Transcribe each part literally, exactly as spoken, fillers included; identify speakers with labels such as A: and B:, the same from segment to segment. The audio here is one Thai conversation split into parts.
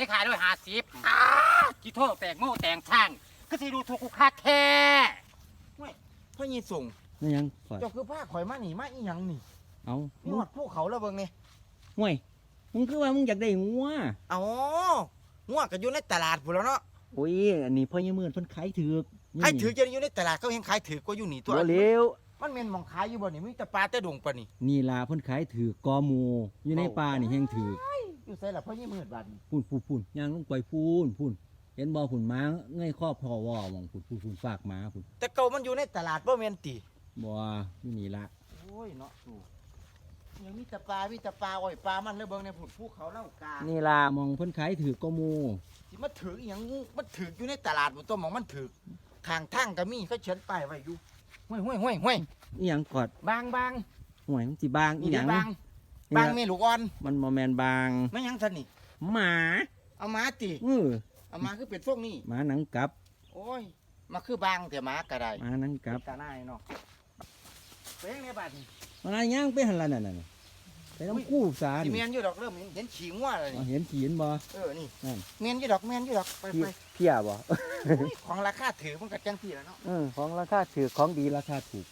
A: ได้ขายด้วยห้าสิบกิโทษแตงโม่แตงช่างก็สิดูถูกกูคักแท้
B: ไม่พ่อยีส่ง
C: นี่ยังข่อย
B: เจ้าคือผ้าข่อยมาหนีมาอีหยังนี่
C: เอา
B: นี่หอดภูเขาแล้วเบิ่งนี่
C: ห่วยมึงคือว่ามึงอยากได้งัว
B: เอางัวก็อยู่ในตลาดพุ่นแล้วเนาะ
C: โอ้ยอันนี้พ่อยังมือเพิ่นขายถือก
B: ขายถือจะอยู่ในตลาดเขาเห็นขายถือกว่าอยู่นี่ตัว
C: บ่เร็ว
B: มันแม่นหมองขายอยู่บ่นี่มีแต่ปลาแต่ดงปะนี่
C: นี่ล่ะเพิ่นขายถือกกอหมูอยู่ในป่านี่แห้งถือก
B: อยู่ไสล่ะพ่อยี่มืดบาดนี่
C: พูนพูนพูนย่างลงไปพูนพูนเห็นบ่พุ่นหมาเงยครอบพอว่ามองพูนพูนพูนฝากหมาพูน
B: แต่เก่ามันอยู่ในตลาดบ่แม่นติ
C: บ่อยู่นี่ละ
B: โอ้ยเนาะดูยังมีแต่ปลามีแต่ปลาอ้อยปลามันแล้วเบิ่งในพุ่นภูเขาเล่ากา
C: นี่ล่ะมองเพิ่นขายถือกกอหมู
B: สิมาถืออีหยังมันถืออยู่ในตลาดบ่ตัวหมองมันถือข้างทางก็มีเขาเขียนป้ายไว้อยู่ห้วยห้วยห้วยห้วย
C: อีหยังกอด
B: บางบาง
C: ห่วยมันสิบางอี
B: นี่
C: ห
B: เด้
C: ยัง
B: บางบางแม่ลูกอ่อน
C: มันบ่แม่นบาง
B: ไม่หยังซั่นนี่
C: หมา
B: เอามาติ
C: เออ
B: เอามาคือเป็นพวกนี้
C: หมาหนังกลับ
B: โอ้ยมาคือบางแต่หมาก็ได้
C: หมาหนังกลับ
B: ตาหน้าเนาะเป็นยังไงบาดนี่
C: มันอะไรย่างไปหั่นล่ะนั่นน่ะไปน้ำกู้สา
B: สิ
C: นี่
B: เมียนอยู่ดอกเริ่มเห็นเห็นฉีงว่าเลย
C: อ๋อเห็นขีนบ่
B: เออนี่
C: นั่น
B: เมียนอยู่ดอกเมียนอยู่ดอกไป
C: เพี้
B: ไป
C: ยเพี้ยบ่
B: อุ้ยของราคาถือมันก็จังพี่แล้วเนาะ
C: เออของราคาถือของดีราคาถูก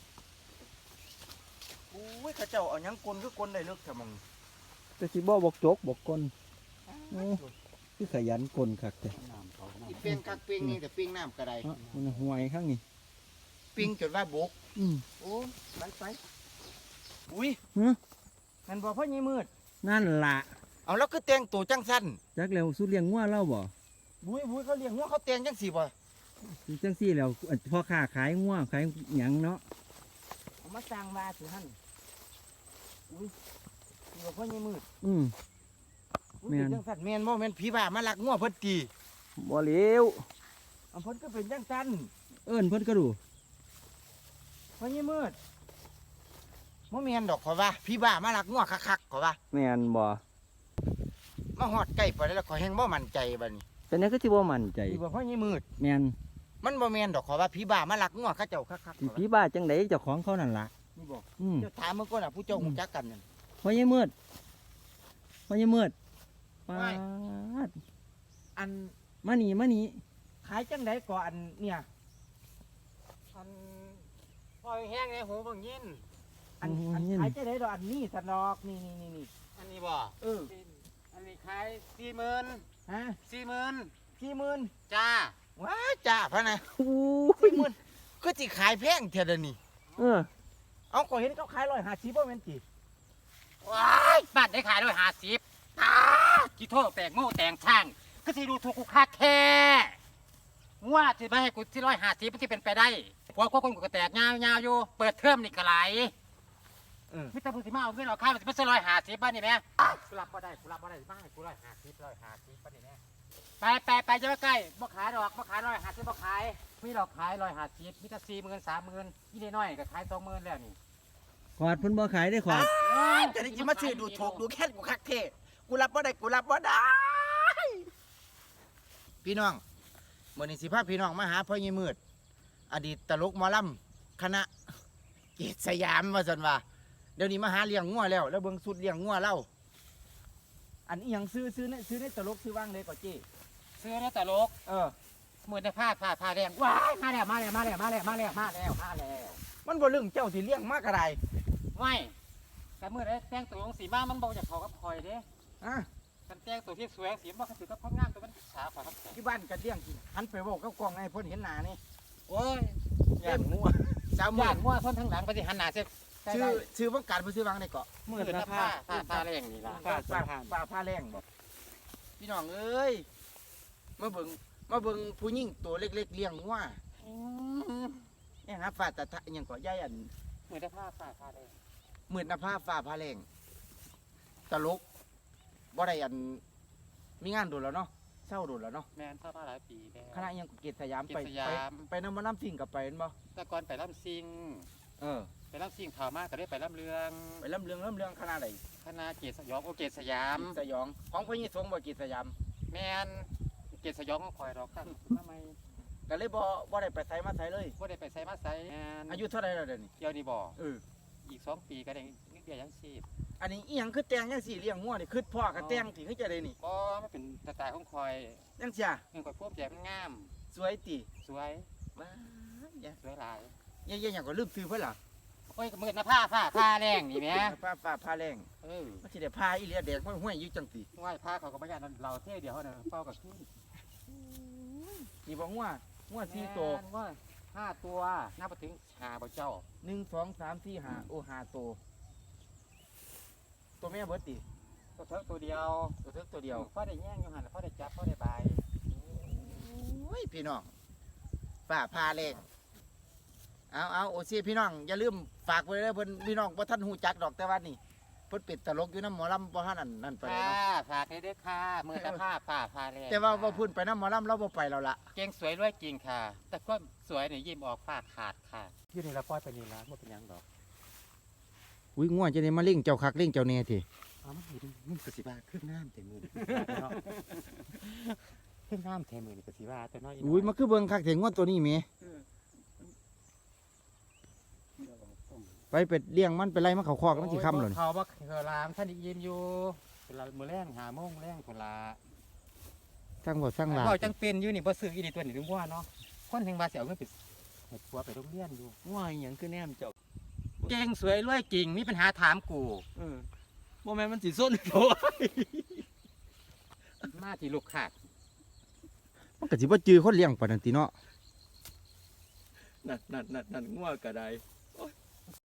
B: อุ้ยเข้าเจ้าเอาหยังกลคือกลได้เลิกเถอะมึง
C: แต่สิบ่บอกจกบอกกลคือขยันกลคักแต่
B: อีเปียงกักเปียงนี่แต่เปียงน้ำก็ได้
C: เอ้ามันห่วยข้างนี้
B: เปียงจนว่าบก
C: อืม
B: โอ้ไปไปอุ้ย
C: ฮะ
B: มันบอกพ่อยี่มืด
C: นั่นล่ะ
B: เอาแล้วก็แต่งตัวจังสั้น
C: จักแล้วสุเลี้ยงงัวเล่าบ่
B: บุ้ยบุ้ยเขาเลี้ยงหัวเขาแต่งจังสี่บ่
C: จังซี่แล้วพ่อค้าขายงัวขายหยังเนาะ
B: เอามาสร้างมาสิฮั่นอุ้ยนี่บอกพ่อยี่มืด
C: อืม
B: อุ้ย
C: แม่น
B: เป็นจังสั้นแม่นบ่แม่นผีบ้ามาลักงัวเพิ่นตี
C: บ่เหลว
B: เอาเพิ่นก็เป็นจังสั้น
C: เอิ้นเพิ่นก็ดู
B: พ่อยี่มืดบ่แม่นดอกขอยว่าผีบ้ามาลักงัวคักๆขอยว่า
C: แม่นบ่
B: มาฮอดใกล้ไปแล้วขอยแฮงบ่มั่นใจบัดนี้
C: แต่นี่ก็สิบ่มั่นใจ
B: พี่บอกพ่อยี่มืด
C: แม่น
B: มันบ่แม่นดอกขอยว่าผีบ้ามาลักงัวเขาเจ้าคักๆ
C: สิผีบ้าจังไดเจ้าของเขานั่นล่ะ
B: นี่บอก
C: อืม
B: เจ้าถามเมื่อก่อนน่ะผู้เจ้าฮู้จักกันนั่น
C: พ่อใหญ่มืดพ่อใหญ่มืดปา
B: ไม่
C: ด
B: อัน
C: มานี่มานี่
B: ขายจังไดก่อนอันเนี่ย
A: อันปล่อยแห้งในหูเบิ่งยิน
B: อันอันขายจังไดดอกอันนี้สนอกนี่นี่นี่นี่
A: อันนี้บ่
B: เออ
A: อันนี้ขายสี่หมื่น
B: ฮะ
A: สี่หมื่น
B: สี่หมื่น
A: จ้า
B: ว้าจ้าพะนะ
C: โอ้
B: สี่
C: ย
B: หมื่นก็สิขายแพงเท่าเดี๋ยวนี้
C: เออ
B: เอาก็เห็นเขาขายร้อยห้าสิบบ่แม่นติ
A: ว้ายบ้านได้ขายด้วยห้าสิบกิโทษแตงโม่แตงช่างก็สิดูถูกกูคักแท้ว่าสิมาให้กูที่ร้อยห้าสิบมันที่เป็นไปได้พวกคนกูก็แตกยาวๆอยู่เปิดเทอมนี่ก็ไหล
B: เออ
A: มิตรพูดสิมาเอาเงินเอาค่ามันสิเป็นร้อยห้าสิบบ้านนี่แม่กูรับบ่ได้กูรับบ่ได้มาให้กูร้อยห้าสิบร้อยห้าสิบบ้านนี่แม่ไปไปไปจะมาใกล้บ่ขายดอกบ่ขายร้อยห้าสิบบ่ขายมีดอกขายร้อยห้าสิบมีแต่สี่หมื่นสามหมื่นยี่น้อยๆก็ขายสองหมื่นแล้วนี่
C: ขอดเพิ่นบ่ขายได้ขอด
B: จะได้สิมาซื้อดูถูกดูแค่นกูคักเท่กูรับบ่ได้กูรับบ่ได้ พี่น้องมื้อนี้สิพาพี่น้องมาหาพ่อยี่มืด อดีตตลกหมอลำคณะเกตสยามว่าซั่นว่าเดี๋ยวนี้มาหาเลี้ยงงัวแล้วแล้วเบิ่งสุดเลี้ยงงัวเล่าอันนี้ยังซื้อซื้อในซื้อในตลกซื้อว่างเลยก่อนจี้
A: ซื้อได้แต่โลก
B: เออ
A: มือได้ผ้าผ้าผ้าแดงว้ายมาแล้วมาแล้วมาแล้วมาแล้วมาแล้วมาแล้วมาแล้ว
B: มันบ่เรื่องเจ้าสิเลี้ยงมากกระไร
A: ไม่แต่มือได้แต่งตัวสีมามันบอกจากเขากับคอยเด้
B: อ่ะ
A: กันแต่งตัวที่สวยสีมันก็ถือกับพ้องงามตัวมันสาวกว่าครับ
B: ที่บ้านกันเลี้ยงกินหันไปบอกกับกล้องให้เพิ่นเห็นหน้านี่
A: โอ้ย
B: ย่างงัวสาวมื
A: ย่า
B: ด
A: นมั่วพ้นทั้งหลังไปสิหันหน้าเสีย
B: ชื่อชื่อว่างการบ่ซื้อวางได้เกาะ
A: มือหน้าผ้าผ้าผ้าแรงนี่ล่ะ
B: ป้าป้าป้าผ้าแรงบ่พี่น้องเอ้ยมาเบิ่งมาเบิ่งผู้หญิงตัวเล็กๆเลี้ยงงัวเนี่ยนะฟ้าตะทะอิหยังเกาะใหญ่อัน
A: มือได้ผ้าผ้าผ้าแรง
B: หมื่นนภาฟ้าพาแรงตลกบ่ได้อันมีงานโดนแล้วเนาะเศร้าโดนแล้วเนาะ
A: แมนผ้าผ้าหลายปีแล้ว
B: คณะอิหยังเกตสยามไป
A: เกตสยาม
B: ไปไปน้ำมันน้ำสิ่งกับไปเห็นบ่
A: แต่ก่อนไปล่ำซิง
B: เออ
A: ไปล่ำซิงข่าวมากก็ได้ไปล่ำเรือง
B: ไปลำเรื่องลำเรื่องคณะใด
A: คณะเกศสยองโอเกศสยาม
B: สยองของพระยิสงบ่เกตสยาม
A: แมนเกศสยองก็คอยรอกตั้งทำไม
B: ก็เลยบ่บ่ได้ไปไสมาไสเลย
A: ว่าได้ไปใส่มาใส่แมน
B: อายุเท่าไหร่แล้วเดี๋ยวนี้
A: เดี๋ยวนี้บ่
B: เออ
A: อีกสองปีก็ได้นิดเดียวยังชีพ
B: อันนี้อีหยังคือแต่งจังซี่เลี้ยงงัวนี่คือพ่อกับแต่งที่คือจะได้นี่
A: บ่มันเป็นสไตล์ของคอย
B: จังซี่
A: เงินคอยพวกแจมันงาม
B: สวยติ
A: สวย
B: ว้าอย่า
A: สวยหลาย
B: อย่าอย่าหยังก็ลืมซื้อเพิ่นล่ะ
A: โอ้ยก็มืดนะผ้าผ้าผ้าแรงนี่แหม่
B: ฟ้าฟ้าผ้าแรง
A: เออ
B: มันสิได้ผ้าอีเหลียแดงห้วยๆอยู่จังติ
A: ไหว้ผ้าเขาก็บ่ย่านเราเท่เดียวเท่านั้นเป้ากับขึ้น
B: นี่บ่งัวงัวสี่ตัว
A: แม่นว่าห้าตัวนับไปถึงหาบ่เจ้า
B: หนึ่ง สอง สาม สี่ ห้าโอ้ห้าตัวตัวแม่เบิดติ
A: ตัวเทิกตัวเดียว
B: ตัวเทิกตัวเดียว
A: พ่อได้แย่งอยู่หันพ่อได้จับพ่อได้บาย
B: โอ้ยพี่น้องฝ้าผ้าแรงเอาเอาโอซีพี่น้องอย่าลืมฝากไว้เด้อเพิ่นพี่น้องบ่ทันฮู้จักดอกแต่ว่านี่เพิ่นเป็นตลกอยู่นำหมอลำบ่ทันนั่นนั่นไปเลย
A: ค่ะ
B: เนาะ
A: ฝากให้ด้วยค่ะมือตะผ้าผ้าผ้าแรง
B: แต่ว่าบ่พูดไปนำหมอลำเราบ่ไปแล้วล่ะ
A: เก่งสวยรวยจริงค่ะ แต่ก็สวยเนี่ยยิ้มออกฝ้าขาดค่ะอยู่ในละป้อยไปนี่ละมันเป็นหยังดอก
B: อุ้ยง่วงจะได้มาเล่งเจ้าคักเล่งเจ้าแน่ติ
A: อ๋อมันอยู่มันกสิบาขึ้นน้ำเต็มมือเนาะขึ้นน้ำเต็มมือนี่กสิบาแต่น้อย
B: อุ้ยมาคือเบิ่งคักแท้ง่วงตัวนี้แหมไปเป็ดเลี้ยงมันไปไล่มันเข้าคอกมันสิค่ำแล้วนี่
A: เขาบ่เคยลามท่านได้ยินอยู่เป็นละมือแรงหาโมงแรงคนละ
B: สร้างบ่สร้างหลา
A: เราจังเป็นอยู่นี่บ่ซื้ออีนี่ตัวนี้ถึงว่าเนาะคนถึงว่าสิเอาเงินไปเฮ็ดผัวไปโรงเรียนอยู่
C: ว่าอหยังคือแนมเจ้า
A: เก่งสวยรวยจริงมีปัญหาถามกู
C: เออบ่แม่นมันสิส้นโต
A: มาที่ลูกขาด
B: มันก็สิบ่จื้อคนเลี้ยงปานนั้นติเนาะ
C: นั่นนั่นนั่นนั่นงัวก็ได้